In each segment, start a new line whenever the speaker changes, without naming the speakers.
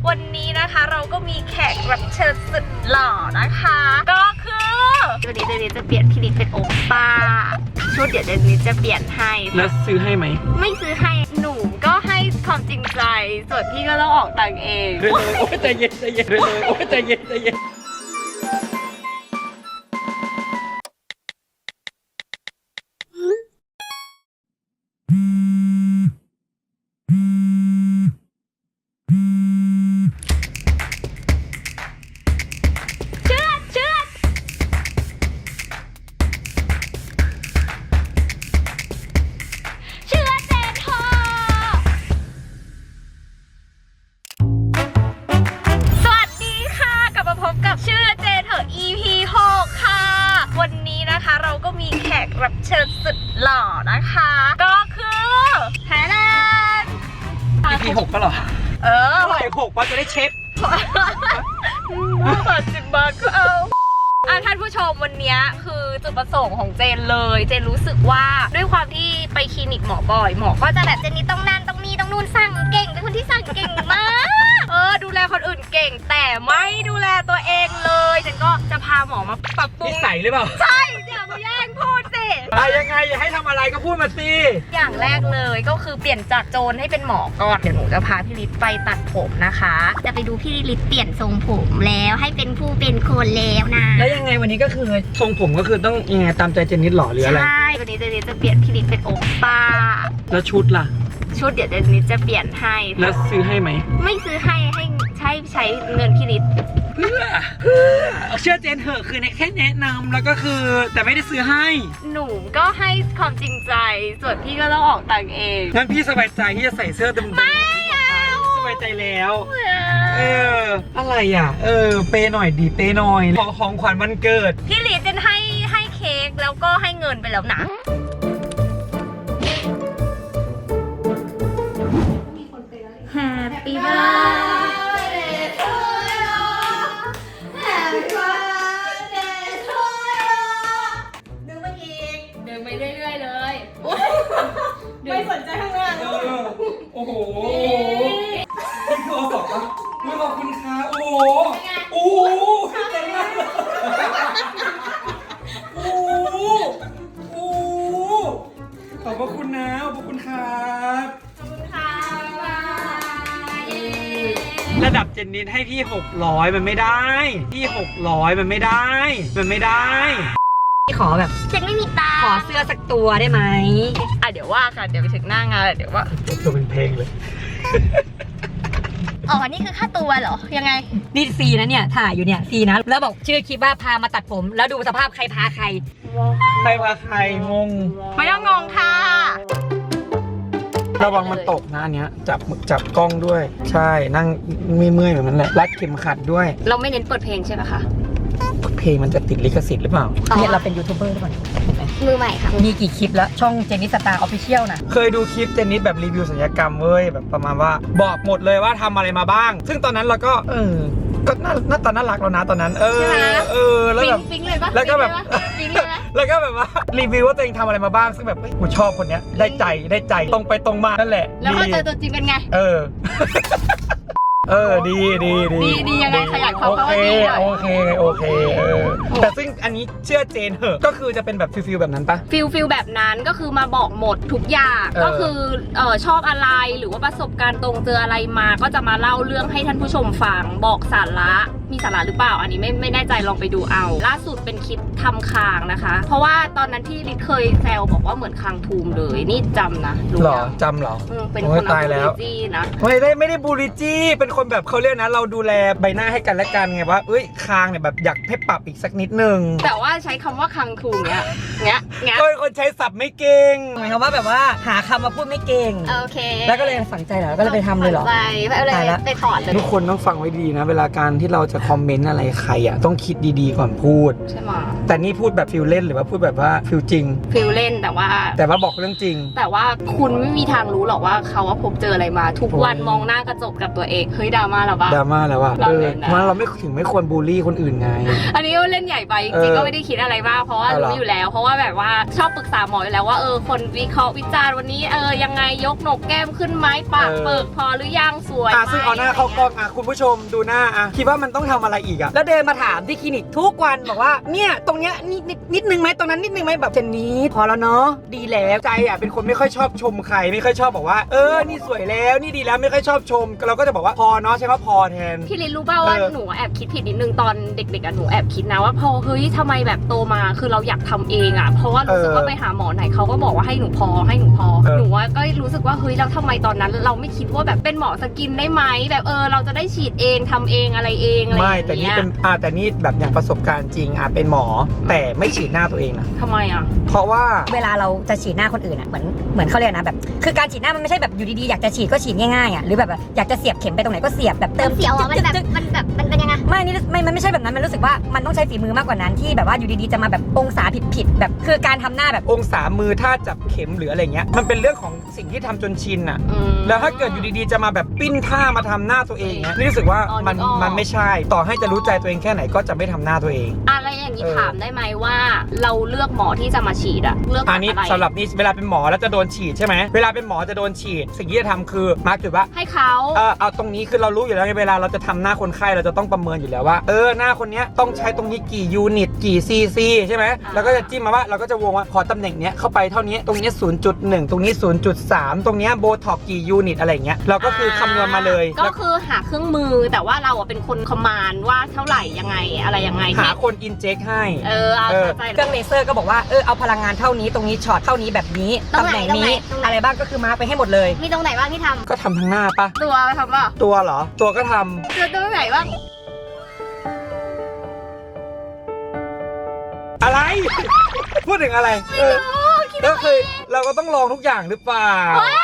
วันนี้นะคะเราก็มีแขกรับเชิญสุดหล่อนะคะก็คือวันนี้เจนนี่จะเปลี่ยนพี่นิดเป็นโอป้าชุดเดี๋ยวเจนนี่จะเปลี่ยนให้
แล้วซื้อให้ไหม
ไม่ซื้อให้หนูก็ให้ความจริงใจส่วนพี่ก็ต้องออกตังค์เอง
เลยโอ้ยใจเย็นใจเย็นเลยโอ้ยใจเย็นใจเย็น
รับเชิญสุดหล่อนะคะก็คือแฮร์แลนด์
EP 6ก็เหรอเท่าไหร่6ว่าจะได้เช็ค
30 บาทก็เอาท่านผู้ชมวันนี้คือจุดประสงค์ของเจนเลยเจนรู้สึกว่าด้วยความที่ไปคลินิกหมอบ่อยหมอก็จะแบบเจนนี่ต้องนั่นต้องนี่ต้องนู่นสั่งเก่งเป็นคนที่สั่งเก่งมากดูแลคนอื่นเก่งแต่ไม่ดูแลตัวเองเลยเจนก็จะพาหมอมาปรับปรุง
นิสัยหรือเปล่า
ใช่อย่ามาแย่งพูดสิ
ยังไงอย่าให้ทำอะไรก็พูดมาสิ
อย่างแรกเลยก็คือเปลี่ยนจากโจรให้เป็นหมอก่อนเดี๋ยวหนูจะพาพี่ฤทธิ์ไปตัดผมนะคะจะไปดูพี่ฤทธิ์เปลี่ยนทรงผมแล้วให้เป็นผู้เป็นคนแล้วนะ
แล้วยังไงวันนี้ก็คือทรงผมก็คือต้องยังไงตามใจเจนนิดหรอหรืออะไร
ใช่วันนี้เจนนิดจะเปลี่ยนพี่ฤทธิ์เป็นโอป้า
แล้วชุดล่ะ
ชุดเดี๋ยวเจนนิดจะเปลี่ยนให้
แล้วซื้อให้ไหม
ไม่ซื้อให้ใช้เงินพี่ฤทธิ์
เพื่อเชื่อเจนเหอะคือแค่แนะนำแล้วก็คือแต่ไม่ได้ซื้อให้
หนูก็ให้ความจริงใจส่วนพี่ก็ต้องออกตังค์เอง
งั้นพี่สบายใจที่จะใส่เสื้อเต็ม
ไม่เอา
สบายใจแล้วอะไรอ่ะเปย์หน่อยดีเปย์หน่อยของขวัญวันเกิด
พี่ฤทธิ์เจนให้เค้กแล้วก็ให้เงินไปแล้วนะHappy birthday to you Happy birthday to you ดึงไปอีกดึงไปเรื่อยๆเลยไม่สนใจข้างหน้าเลย
โอ้โหนี่คือเอาบอกว่าไม่ขอบคุณค่ะโอ้โหโอ้โหใจมากเลยโอ้โหขอบคุณนะขอบคุณครับระดับเจนนิดให้พี่600มันไม่ได้พี่600มันไม่ได้
ขอแบบเจนไม่มีตา
ขอเสื้อสักตัวได้ไหม
เดี๋ยวว่ากันเดี๋ยวไปถึงหน้างานเดี๋ยวว่า
ตัวเป็นเพลงเลย
นี่คือค่าตัวเหรอยังไง
นี่ฟรีนะเนี่ยถ่ายอยู่เนี่ยฟรีนะแล้วบอกชื่อคลิปว่าพามาตัดผมแล้วดูสภาพใครพาใคร
พาใครงง
ไม่ต้องงงค่ะ
ระวังมันตกนะอันเนี้ยจับกล้องด้วยใช่นั่งเมื่อยแบบนั้นแหละรัดเข็มขัดด้วย
เราไม่เน้นเปิดเพลงใช่ไหมคะ
เพลงมันจะติดลิขสิทธิ์หรือเปล่า
เนี่ยเราเป็นยูทูบเบอร์ด้วย
มือใหม่ค่ะ
มีกี่คลิปแล้วช่องเจนนิสตาร์ออฟฟิเชียลนะ
เคยดูคลิปเจนนิสแบบรีวิวศัลยกรรมเว้ยแบบประมาณว่าบอกหมดเลยว่าทำอะไรมาบ้างซึ่งตอนนั้นเราก็ก็หน้าตาน่ารักแล้วนะตอนนั้นแล้วแบบแล้วก็แบบแล้วก็แบบว่ารีวิวว่าตัวเองทำอะไรมาบ้างซึ่งแบบกูชอบคนเนี้ยได้ใจตรงไปตรงมานั่นแหละ
แล้วพอเจอตัวจริงเป็นไง
ดี
ยังไงขยายความเขาว่าดี
โอเคแต่ซึ่งอันนี้เชื่อเจนเหอะก็คือจะเป็นแบบฟิลแบบนั้นปะ
ฟิลแบบนั้นก็คือมาบอกหมดทุกอย่างก็คือชอบอะไรหรือว่าประสบการณ์ตรงเจออะไรมาก็จะมาเล่าเรื่องให้ท่านผู้ชมฟังบอกสาระมีสาระหรือเปล่าอันนี้ไม่แน่ใจลองไปดูเอาล่าสุดเป็นคลิปทำคางนะคะเพราะว่าตอนนั้นที่ลิศเคยแซวบอกว่าเหมือนคางทูมเลยนี่จำนะ
หรอจำหรอ
เป็นคนตายแล้วนะ
ไม่ได้บูลลิจี้เป็นคนแบบเขาเรียกนะเราดูแลใบหน้าให้กันและกันไงว่าคางเนี่ยแบบอยากให้ปรับอีกสักนิดนึง
แต่ว่าใช้คำว่าคางทูมเนี้ย
ก็เป็นคนใช้ศัพท์ไม่เก่ง
หมายความว่าแบบว่าหาคำมาพูดไม่เก่ง
โอเค
แล้วก็เลยฝังใจเหรอก็เลยไปทำเลยเหรอ
ไปถอดเลย
ทุกคนต้องฟังไว้ดีนะเวลาการที่เราจะคอมเมนต์อะไรใครต้องคิดดีๆก่อนพูด
ใช่ไหม
แต่นี่พูดแบบฟิลเล่นหรือว่าพูดแบบว่าฟิลจริง
ฟิลเล่นแต่ว่า
บอกเรื่องจริง
แต่ว่าคุณไม่มีทางรู้หรอกว่าเขาว่าพบเจออะไรมา ทุกวันมองหน้ากระจกกับตัวเองเฮ้ยดราม่าหรอปะ
ดราม่าแล้วอะ
เราเล่นนะ
เพราะเราไม่ถึงไม่ควรบูลลี่คนอื่นไง
อันนี้ก็เล่นใหญ่ไปจริงๆก็ไม่ได้คิดอะไรมากเพราะว่ารู้อยู่แล้ว เพราะว่าแบบว่าชอบปรึกษาหมออยู่แล้วว่าคนวิเคราะห์วิจารณ์วันนี้ยังไงยกหนกแก้มขึ้นไหมปากเปิดพอหรือยังสวยไหม
ซึ่งเอาหน้าเข้ากล้องคุณผู้ชมดูหน้าคิดว่ามันต้องทำอะไรอีกแล้วเดินมาถามที่คลินิกทุกวันบอกว่าเนี่ยตรงเนี้ยนิดนึงไหมตรงนั้นนิดนึงไหมแบบเจนนี้พอแล้วเนาะดีแล้วใจเป็นคนไม่ค่อยชอบชมใครไม่ค่อยชอบบอกว่านี่สวยแล้วนี่ดีแล้วไม่ค่อยชอบชมเราก็จะบอกว่าพอเนาะใช่ไหมพอแทน
พี่ลินรู้ป่าวว่าหนูแอบคิดผิดนิดนึงตอนเด็กๆหนูแอบคิดนะว่าพอเฮ้ยทำไมแบบโตมาคือเราอยากทำเองเพราะว่ารู้สึกว่าไปหาหมอไหนเขาก็บอกว่าให้หนูพอหนูว่าก็รู้สึกว่าเฮ้ยแล้วทำไมตอนนั้นเราไม่คิดว่าแบบเป็นหมอสกินได้ไหมแบบเราจะได้ฉีดเองทำเองอะไรเองอะไรอย่างเงี้ย
ไม่แต่นี่เป็นแต่นี่แบบอย่างประสบการณ์จริงเป็นหมอแต่ไม่ฉีดหน้าตัวเองนะ
ทำไม
เพราะว่า
เวลาเราจะฉีดหน้าคนอื่นเหมือนเขาเรียกนะแบบคือการฉีดหน้ามันไม่ใช่แบบอยู่ดีๆอยากจะฉีดก็ฉีดง่ายๆหรือแบบอยากจะเสียบเข็มไปตรงไหนก็เสียบแบบเติม
เสียวมันแบบมันเป็นยังไง
มันไม่ใช่แบบนั้นมันรู้สึกว่ามันต้องใช้ฝีมือมากกว่านั้นที่แบบว่าอยู่ดีๆจะมาแบบองศาผิดแบบคือการทำหน้าแบบ
องศามือถ้าจับเข็มหรืออะไรเงี้ยมันเป็นเรื่องของสิ่งที่ทำจนชินแล้วถ้าเกิดอยู่ดีๆจะมาแบบปิ้นท่ามาทำหน้าตัวเองเนี้ยนี่รู้สึกว่ามันไม่ใช่ต่อให้จะรู้ใจตัวเองแค่ไหนก็จะไม่ทำหน้าตัวเอง
อะไรอย่างนี้ถามได้ไหมว่าเราเลือกหมอที่จะมาฉีดเลือก
อันนี้สำหรับนี่เวลาเป็นหมอแล้วจะโดนฉีดใช่ไหมเวลาเป็นหมอจะโดนฉีดสิ่งที่จะทำคือมาร์กจุดว่า
ให้เขา
เอาตรงนี้คือเรารู้อยู่แล้วเวลาเราจะทำหน้าคนไข้เราจะต้องประเมินอยู่แล้วว่าหน้าคนนี้ต้องใช้ตรงนี้กี่ยูนิตกี่ซีซีใช่ไหมแล้วก็จะจิ้มมาว่าเราก็จะวงว่าพอตำแหน่งเนี้ยเข้าไปเท่านี้ตรงนี้ 0.1 ตรงนี้ 0.3 ตรงนี้โบท็อกกี่ยูนิตอะไรเงี้ยเราก็คือคำนวณมาเลย
ก็คือหาเครื่องมือแต่ว่าเราเป็นคนคอมมานด์ว่าเท่าไหร่ยังไงอะไรยังไง
หาคนอินเจคให้
เครื่องเลเซอร์ก็บอกว่าเอาพลังงานเท่านี้ตรงนี้ช็อตเท่านี้แบบนี้ตำแหน่งนี้อะไรบ้างก็คือมาร์กไปให้หมดเลย
มีตรงไหนบ้างที่ทำ
ก็ทำทั้งหน้าปะ
ตัวทำป่ะ
ตัวเหรอตัวก็ท
ำตัวไหนบ้าง
อะไร พูดถึงอะไรก็คือเราก็ต้องลองทุกอย่างหรือเปล่า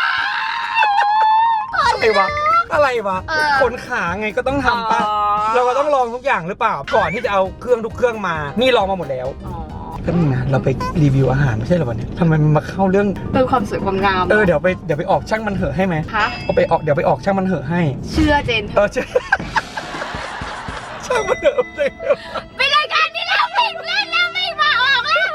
อะไรวะขนขาไงก็ต้องทำป่ะเราก็ต้องลองทุกอย่างหรือเปล่าก่อนที่จะเอาเครื่องทุกเครื่องมานี่ลองมาหมดแล้วก็นี่นะเราไปรีวิวอาหารไม่ใช่หรอวันนี้ทำไมมันมาเข้าเรื่อง
ความสวยความงาม
เดี๋ยวไปออกช่างมันเหอะให้ไหมเดี๋ยวไปออกช่างมันเหอะให้
เชื่อเจน
เชื่อช่างมันเหอะ
เป็นรายการที่เราปิดเล่นแล้วไม่มาออกแล้ว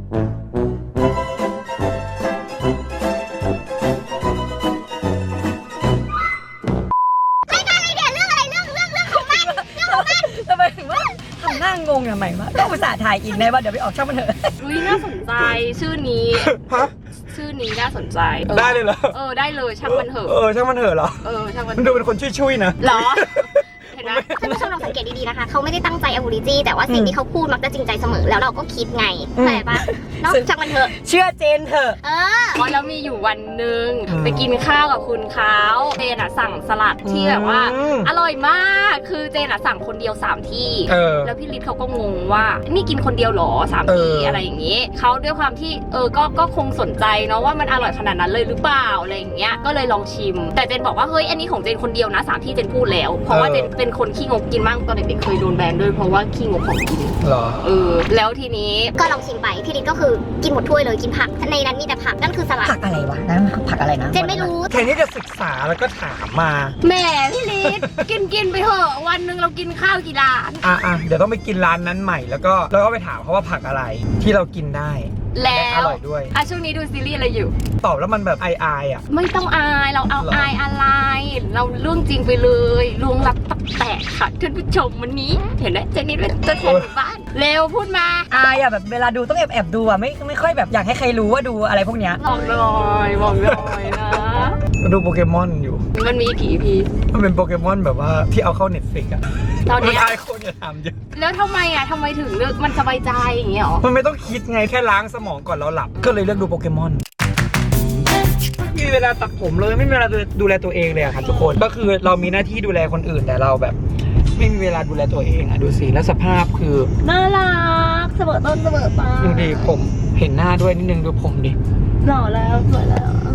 งงอย่างไรวะก็อุตส่าห์ถ่ายอินได้ว่าเดี๋ยวไปออกช่องมันเถอะ
น่าสนใจชื่อนี้ชื่อนี้น่าสนใจ
ได้เลยเหรอ
ได้เลยช่างมันเถอะ
ช่างมันเถอะเหรอ
ช่างมัน
ดูเป็นคนช่วยๆนะ
เหรอ
เห็นไหมท่านผู้ชมลองสังเกตดีๆนะคะเขาไม่ได้ตั้งใจเอาบูลลี่แต่ว่าสิ่งที่เขาพูดมักจะจริงใจเสมอแล้วเราก็คิดไงเข้าใจปะนอกจากมันเถอะ
เชื่อเจนเถอะ
แล้วมีอยู่วันหนึ่งไปกินข้าวกับคุณเขาเจนสั่งสลัดที่แบบว่าอร่อยมากคือเจนสั่งคนเดียว3ที่แล้วพี่ฤทธิ์เขาก็งงว่านี่กินคนเดียวหรอ3ที่อะไรอย่างเงี้ยเขาด้วยความที่ก็คงสนใจเนาะว่ามันอร่อยขนาดนั้นเลยหรือเปล่าอะไรอย่างเงี้ยก็เลยลองชิมแต่เจนบอกว่าเฮ้ยอันนี้ของเจนคนเดียวนะ3ที่เจนพูดแล้วเพราะว่าเจนเป็นคนขี้งกกินมากตอนเด็กๆเคยโดนแบนด้วยเพราะว่าขี้งกของกิน
เหรอ
แล้วทีนี้
ก็ลองชิมไปพี่ฤทธิ์ก็คือกินหมดถ้วยเลยกินผักในนั้นมีแต่ผักนั่นคือสลัด
ผักอะไรวะนั่นผักอะไรนะ
เจนไม่รู้
แค่นี้จะศึกษาแล้วก็ถามมา
แหมพี่ฤทธิ์กินไปเถอะวันนึงเรากินข้าวกี่ร้าน
เดี๋ยวต้องไปกินร้านนั้นใหม่แล้วก็ไปถามเขาว่าผักอะไรที่เรากินได้
แล้ว
อร่อยด้วย
ช่วงนี้ดูซีรีส์อะไรอยู่
ตอบแล้วมันแบบอาย
ไม่ต้องอายเราเอาอายอะไรเราเรื่องจริงไปเลยลวงลับตับแตกค่ะท่านผู้ชมวันนี้เห็นไหมเจนนี่เป็นตัวแทนบ้านเร็วพูดมา
อายแบบเวลาดูต้องแอบดูไม่ค่อยแบบอยากให้ใครรู้ว่าดูอะไรพวกเนี้ย
บอกเลยนะ
ดูโปเกมอนอยู่
มันมีกี่พี
มันเป็นโปเกมอนแบบว่าที่เอาเข้า Netflix
ตอนนี้
อายคนจะทำเยอะ
แล้วทำไมถึงเลือกมันสบายใจอย่างเงี้ยหรอ
มันไม่ต้องคิดไงแค่ล้างสมองก่อนเราหลับก็เลยเลือกดูโปเกมอนไม่มีเวลาตัดผมเลยไม่มีเวลาดูแลตัวเองเลยค่ะทุกคนก็คือเรามีหน้าที่ดูแลคนอื่นแต่เราแบบไม่มีเวลาดูแลตัวเองดูสิแล้วสภาพคือ
น่ารักเสมอต้นเสมอปลาย
ดูดิผมเห็นหน้าด้วยนิดนึงดูผมดิ
หล่อแล้วสวยแล้ว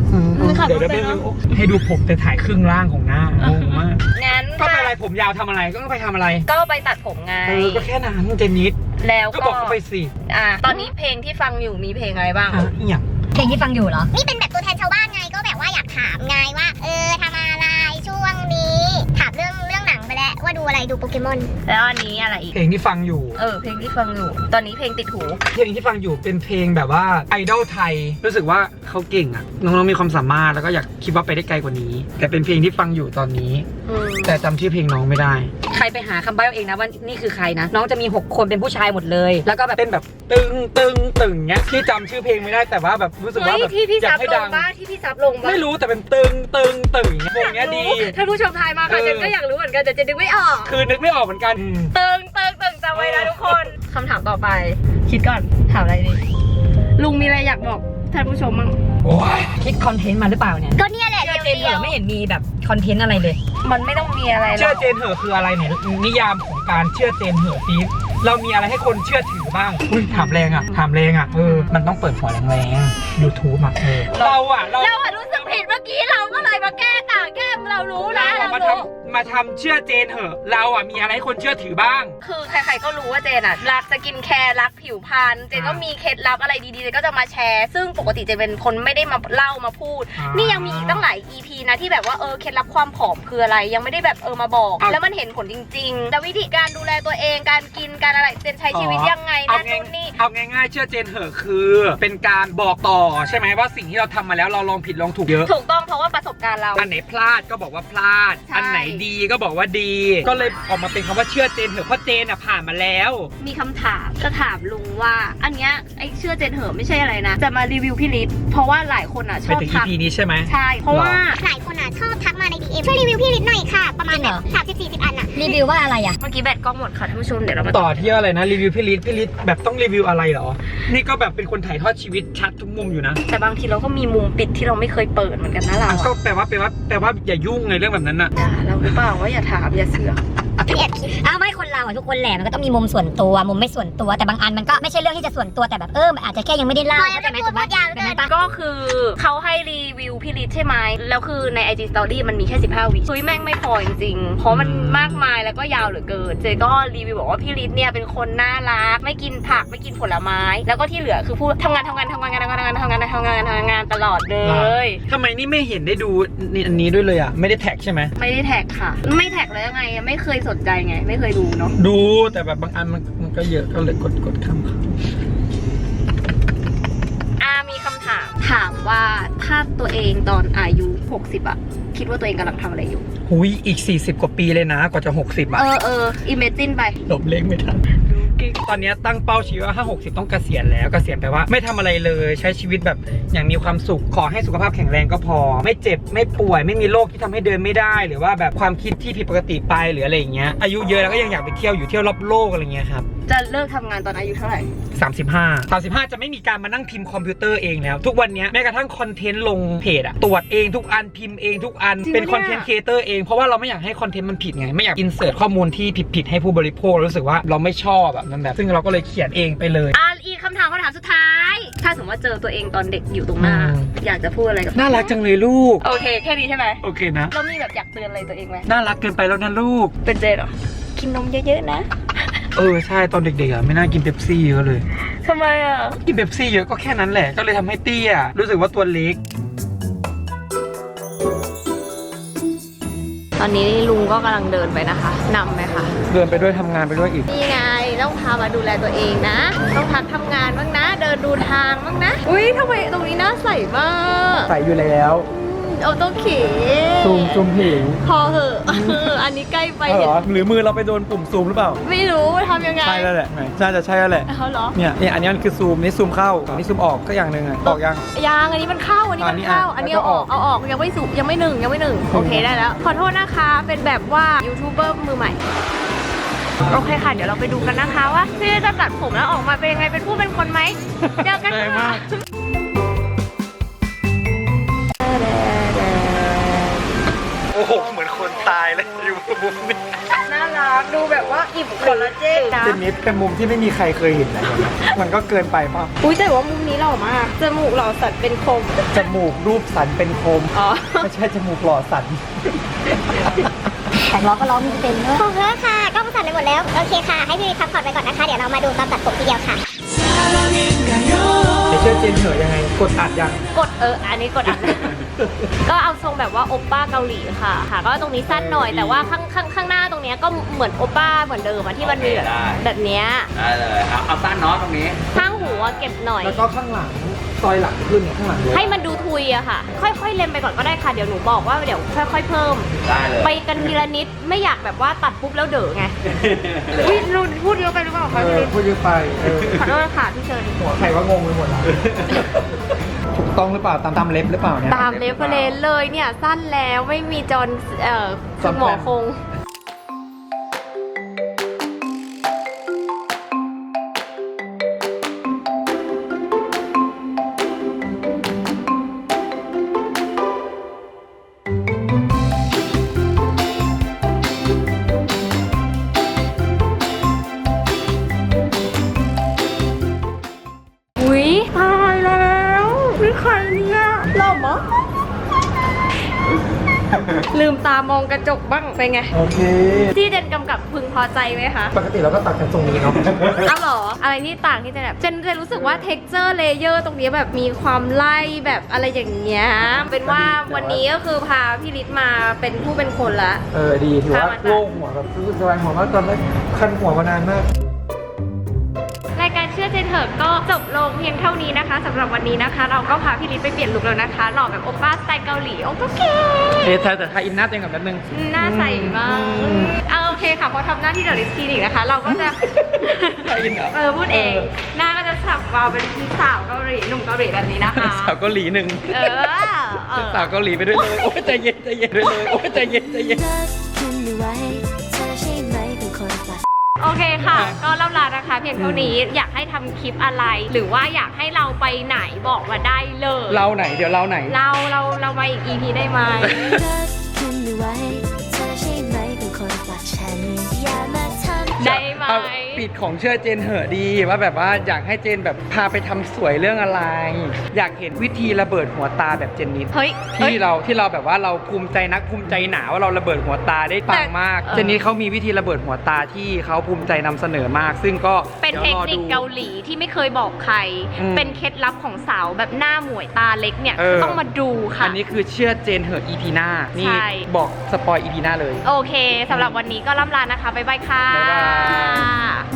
เดี๋ยวไม่ให้ดูผมแต่ถ่ายครึ่งล่างของหน้างงมาก
งั้น
ก็ไปอะไรผมยาวทำอะไรก็ไปทำอะไร
ก็ไปตัดผมไง
ก็แค่นั้นเจนิด
แล้ว
ก็บอกเขาไปสิ
ตอนนี้เพลงที่ฟังอยู่มีเพลงอะไรบ้าง
อย่าง
เพลงที่ฟังอยู่เหรอ
นี่เป็นแบบตัวแทนชาวบ้านไงก็แบบว่าอยากถามไงว่าทำอะไรช่วงนี้ถามเรื่องหนังไปแล้วว่าดูอะไรดูโปเกมอน
แล้วอันนี้อะไรอีก
เพลงที่ฟังอยู่
เพลงที่ฟังอยู่ ตอนนี้เพลงติดหู
เพลงที่ฟังอยู่เป็นเพลงแบบว่าไอดอลไทยรู้สึกว่าเขาเก่งอ่ะน้องๆมีความสามารถแล้วก็อยากคิดว่าไปได้ไกลกว่านี้ แต่เป็นเพลงที่ฟังอยู่ตอนนี้ แต่จำชื่อเพลงน้องไม่ได้
ใครไปหาคำใบ้เอาเองนะว่านี่คือใครนะ น้องจะมี 6 คนเป็นผู้ชายหมดเลย แล้วก็แบบ
เต้นแบบตึงตึงตึงเงี้ยที่จำชื่อเพลงไม่ได้แต่ว่าแบบรู้สึกว่าแบบ
ที่พี่
อยา
ซั
ก
บ
ให้
ล
ดั
ง
ง
บ้าที่พี่ซับลงบ้า
ไม่รู้แต่เป็นตึงตึงตึงเพลงเนี้ยดี
ถ้าผู้ชมทายมาค่ะเจนก็อยากรู้เหมือนกันแต่เจนนึกไม่ออก
คือนึกไม่ออกเหมือนกัน
เติงจำไว้นะทุกคนคำถามต่อไป คิดก่อนถามอะไรดีลุงมีอะไรอยากบอกท่านผู้ชมมั้ง
โอ้ย
คิดคอนเทนต์มาหรือเปล่าเนี่ย
ก็เนี่ยแหละ
เชื่อเจนเหร
เดีย
อ
ว
ไม่เห็นมีแบบคอนเทนต์อะไรเลย
มันไม่ต้องมีอะไรหร
เชื่อ
อก
เจนเหอะคืออะไรเนี่ยนิยามของการเชื่อเจนเหอะฟีเรามีอะไรให้คนเชื่อถือบ้างอุ้ยถามแรงอ่ะมันต้องเปิดหัวแรงๆ YouTube อ่ะเรา
รู้สึกผิดเมื่อกี้เราก็เลยมาแก้ต่างแก้เรารู้นะ
มาทำเชื่อเจนเหอะเราอ่ะมีอะไรให้คนเชื่อถือบ้าง
คือใครๆก็รู้ว่าเจนอะรักสกินแคร์รักผิวพรรณเจนก็มีเคล็ดลับอะไรดีๆเจนก็จะมาแชร์ซึ่งปกติเจนเป็นคนไม่ได้มาเล่ามาพูด นี่ยังมีอีกตั้งหลาย EP นะที่แบบว่าเคล็ดลับความผอมคืออะไรยังไม่ได้แบบมาบอกแล้วมันเห็นผลจริงๆแต่วิธีการดูแลตัวเองการกินการอะไรเจนใช้ชีวิตยังไงนั่นนู่นนี่
เอาง่ายๆเชื่อเจนเหอะคือเป็นการบอกต่อใช่ไหมว่าสิ่งที่เราทำมาแล้วเราลองผิดลองถูกเยอะ
ถูกต้องเพราะว่าประสบการณ์เรา
อันไหนพลาดก็บอกว่าพลาด
ใช่
อันไหนดีก็บอกว่าดี ก็เลยออกมาเป็นคำว่าเชื่อเจนเถอะเพราะเจนอ่ะผ่านมาแล้ว
มีคำถามจะถามลุงว่าอันเนี้ยไอเชื่อเจนเหอะไม่ใช่อะไรนะจะมารีวิวพี่ฤทธิ์เพราะว่าหลายคนอ่ะช
ไป
อบ
ถึง
ทัก
EP นี้ใช่ไหม
ใช่เพราะว่า
หลายคนอ่ะชอบทักมาใน DM ช่วยรีวิวพี่ลิศหน่อยค่ะ ประมาณแบบ30-40 อันอ่ะ
รีวิวว่าอะไรอ่ะ
เมื่อกี้แบตกล้องหมดค่ะท่านผู้ชมเดี๋ยวเรามา
ต่อที่อะไรนะรีวิวพี่ฤทธิ์แบบต้องรีวิวอะไรเหรอ นี่ก็แบบเป็นคนถ่ายทอดชีวิตชัดทุกมุมอยู่นะ
แต่บางทีเราก็มีมุมปิดที่เราไม่เคยเปิดเหมือนกันนะเรา
ก็แปลว่าอย่ายุ่งในเรื่องแบบนั้นน่ะ
ด่าเราหรือเปล่าว่าอย่าถามอย่าเสือก
แอบคิด
อ้าวไม่คนเราอ่ะทุกคนแหละมันก็ต้องมีมุมส่วนตัวมุมไม่ส่วนตัวแต่บางอันมันก็ไม่ใช่เรื่องที่จะส่วนตัวแต่แบบมันอาจจะแค่ยังไม่ได้เล่าเข้าใจไหมถูกไหมแบบนั้นปะ
ก็คือเขาให้รีวิวพี่ฤทธิ์ใช่ไหมแล้วคือใน IG Story มันมีแค่15 วิแม่งไม่พอจริงๆเพราะมันมากมายแล้วก็ยาวเหลือเกินเจก็รีวิวบอกว่าพี่ฤทธิ์เนี่ยเป็นคนน่ารักไม่กินผักไม่กินผลไม้ แล้วก็ที่เหลือคือพูดทำงานตลอดเลย
ทำไมนี่ไม่เห็นได้ดูอันนี้ด้วยเลยอ่ะไม่ได้แท็กใช่ไหม
ไม่ได้แท็กค่ะไม่แท็กแล้วยังไงไม่เคยสนใจไงไม่เคยดูเนาะ
ดูแต่แบบบางอันมันก็เยอะก็เลยกดข้าม
มีคำถามว่าถ้าตัวเองตอนอายุ60อะคิดว่าตัวเองกำลังทำอะไรอยู่
หุยอีก40 กว่าปีเลยนะกว่าจะ60อ่ะ
imagine ไป
หลบเล็กไม่ทันตอนนี้ตั้งเป้าชีวิตว่าถ้า60ต้องเกษียณแล้วเกษียณแปลว่าไม่ทำอะไรเลยใช้ชีวิตแบบอย่างมีความสุขขอให้สุขภาพแข็งแรงก็พอ ไม่เจ็บไม่ป่วยไม่มีโรคที่ทำให้เดินไม่ได้หรือว่าแบบความคิดที่ผิดปกติไปหรืออะไรอย่างเงี้ยอายุเยอะแล้วก็ยังอยากไปเที่ยวอยู่เที่ยวรอบโลกอะไรเงี้ยครับ
จะเลิกทำงานตอนอายุเท่าไหร่
35จะไม่มีการมานั่งพิมพ์คอมพิวเตอร์เองแล้วทุกวันนี้แม้กระทั่งคอนเทนต์ลงเพจอะตรวจเองทุกอันพิมพ์เองทุกอันเป็นคอนเทนต์ครีเอเตอร์เองเพราะว่าเราไม่อยากให้คอนเทนต์มันผิดไงไม่อยากอินเสิร์ตข้อมูลที่ผิดให้ผู้บริโภครู้สึกว่าเราไม่ชอบแบบนั้นแบบซึ่งเราก็เลยเขียนเองไปเลย
อีกคำถามสุดท้าย ถ้าสมมติว่าเจอตัวเองตอนเด็กอยู่ตรงหน้า อยากจะพูดอะไรกับ
น่ารักจังเลยลูก
โอเคแค่นี้ใช่ไหม
โอเคนะ
เรามีแบบอยากเตือนอะไรตัวเองไหม
น่ารักเกินไปแล้วนะลูก
เป็นเจนเหรอกินนมเยอะๆนะ
ใช่ตอนเด็กๆอ่ะไม่น่ากินเป๊ปซี่เยอะเลย
ทำไมอ่ะ
กินเป๊ปซี่เยอะก็แค่นั้นแหละก็เลยทำให้เตี้ยรู้สึกว่าตัวเล็ก
ตอนนี้ลุงก็กำลังเดินไปนะคะนำไหมคะ
เดินไปด้วยทำงานไปด้วยอีก
นี่ไงต้องพามาดูแลตัวเองนะ ต้องพักทำงานบ้างนะ เดินดูทางบ้างนะ อุ้ยทำไมตรงนี้น่าใสมาก
ใส่อยู่แล้ว
เอาต้องเขี
ซูมผิว
พอเหอะ อันนี้ใกล้ไป
เหรอหรือมือเราไปโดนปุ่มซูมหรือเปล่า
ไม่รู้ทำยังไง
ใช่แล้วแหละน่าจะใช่แล้วแหละ
เอาเหรอ
เนี่ยอันนี้มันคือซูมนี่ซูมเข้านี่ซูมออกก็อย่างหนึ่งอ่ะออกยัง
ยังอันนี้มันเข้าอันนี้มันเข้า
อั
อั
น
น
นี้
นี้
อ่ะ
เอาออกยังไม่สุกยังไม่หนึ่งโอเคได้แล้ว ขอโทษนะคะเป็นแบบว่ายูทูบเบอร์มือใหม่โอเคค่ะเดี๋ยวเราไปดูกันนะคะว่าพี่จะตัดผมแล้วออกมาเป็นยังไงเป็นผู้เป็นคนไหมเจอกันค่ะ
โอ้โหเหมือนคนตายเลยอยู่มุมนี้
น่ารั
ดูแบบว่าอิ่มคอลลาเจนนะ
เจนนิสเป็นมุมที่ไม่มีใครเคยเห็นนะมันก็เกินไปป่ะ
อุ้ยแต่ว่ามุมนี้หล่อมากจมูกหล่อสัตว์เป็นคม
จมูกรูปสันเป็นคม
อ๋อ
ไม่ใช่จมูกหล่อสัน
แต่ล้อก็ล้อมีเป็นเนอะ
ขอบคุณค่ะก็ประสานไปหมดแล้ว โอเคค่ะ ให้พี่วิทย์พักผ่อนไปก่อนนะคะ เดี๋ยวเรามาดูตอนตัดผมทีเดียวค่ะ
ไอเชื่อเจนเหอะยังไงกดอัดยัง
กดอันนี้กดอัน ก็เอาทรงแบบว่าโอปป้าเกาหลีค่ะก็ตรงนี้สั้นหน่อยแต่ว่าข้างหน้าตรงเนี้ยก็เหมือนโอปป้าเหมือนเดิมอะที่มันมีแบบเนี้ย
ได้เลยเอาสั้นเนาะตรงนี้
ข้างหูอะเก็บหน่อย
แล้วก็ข้างหลังซอยหลังขึ้นข้างหลังเลย
ให้มันดูทุยอะค่ะ ค่อยๆเล็มไปก่อนก็ได้ค่ะเดี๋ยวหนูบอกว่าเดี๋ยวค่อยๆเพิ่ม
ได้เลย
ไปกันทีละนิดไม่อยากแบบว่าตัดปุ๊บแล้วเด๋อไงอุ๊ยเราพูดเยอะไปหรือเปล่าคะ
เอ
พี่
อ
ลิศ
พูดเยอะไป
ขอโทษค่ะพี่เชิญ
หัวใครว่างงไปหมดแล้วถูกต้องหรือเปล่าตามเล็บหรือเปล่าเนี่ย
ตามเรฟเฟรนซ์เลยเนี่ยสั้นแล้วไม่มีจอนคุณหมอคง อุ๊ยตายแล้วนี่ใครเนี่ยหล่อมะลืมตามองกระจกบ้างเป็นไง
โอเค
ที่เดนกำกับพึงพอใจไหมคะ
ปกติเราก็ตัดกันทรงนี้เนาะ
อ้าวเหรอ อะไรที่ต่างที่เจนแบบเจนรู้สึกว่า texture layer ตรงนี้แบบมีความไล่แบบอะไรอย่างเงี้ยเป็นว่าวันนี้ก็คือพาพี่ฤทธิ์มาเป็นผู้เป็นคนละ
ดีถือว่าโล่งหัวแบบรู้สึกสบายหัวมากตอนแรกคันหัวมานานมาก
รายการเชื่อเจนเถอะก็จบลงเพียงเท่านี้นะคะสำหรับวันนี้นะคะ เราก็พาพี่ฤทธิ์ไปเปลี่ยนลุคแล้วนะคะหล่อแบบโอป้าสไตล์เกาหลีโอเค
แต่ทายอินหน้าตัวเองกับแป๊บนึง
หน้าใสมากเอาโอเคค่ะพอทำหน้าที่เดอะลิสต์คลินิกนะคะ เราก็จะ
ทายอินเหรอ
พูดเอง หน้าก็จะสับวาวเป็นพี่สาวเกาหลีหนุ่มเกาหลีแบบนี้นะคะ
สาวเกาหลีหนึ่ง
เออ
สาวเกาหลีไปด้วยเลยโอ้ยใจเย็นใจเย็นด้วยเลยโอ้ยใจเย็นใจเย็น
โอเคค่ะ ก็เล่าลานะคะ เพียงเท่านี้อยากให้ทำคลิปอะไร หรือว่าอยากให้เราไปไหนบอกมาได้เลย
เราไหนเดี๋ยวเราไหน
เรามาอีก EP ได้ไหม ได้ไหม
เอาปิดของเชื่อเจนเหอะดีว่าแบบว่าอยากให้เจนแบบพาไปทำสวยเรื่องอะไร อยากเห็นวิธีระเบิดหัวตาแบบเจนนิด
เฮ้ย
ที่เราแบบว่าเราภูมิใจนักภูมิใจหนาว่าเราระเบิดหัวตาได้ปังมาก เจนนิดเขามีวิธีระเบิดหัวตาที่เขาภูมิใจนำเสนอมาก ซึ่งก็
เป็นเทคนิคเกาหลีที่ไม่เคยบอกใคร เป็นเคล็ดลับของสาวแบบหน้าหมวยตาเล็กเนี่ยต้องมาดูค่ะ
อันนี้คือเชื่อเจนเหอะ EP หน้านี่
ใช่
บอกสปอย EP หน้าเลย
โอเคสำหรับวันนี้ก็ล่ำลานะคะบ๊ายบายค่ะ
บ๊ายบาย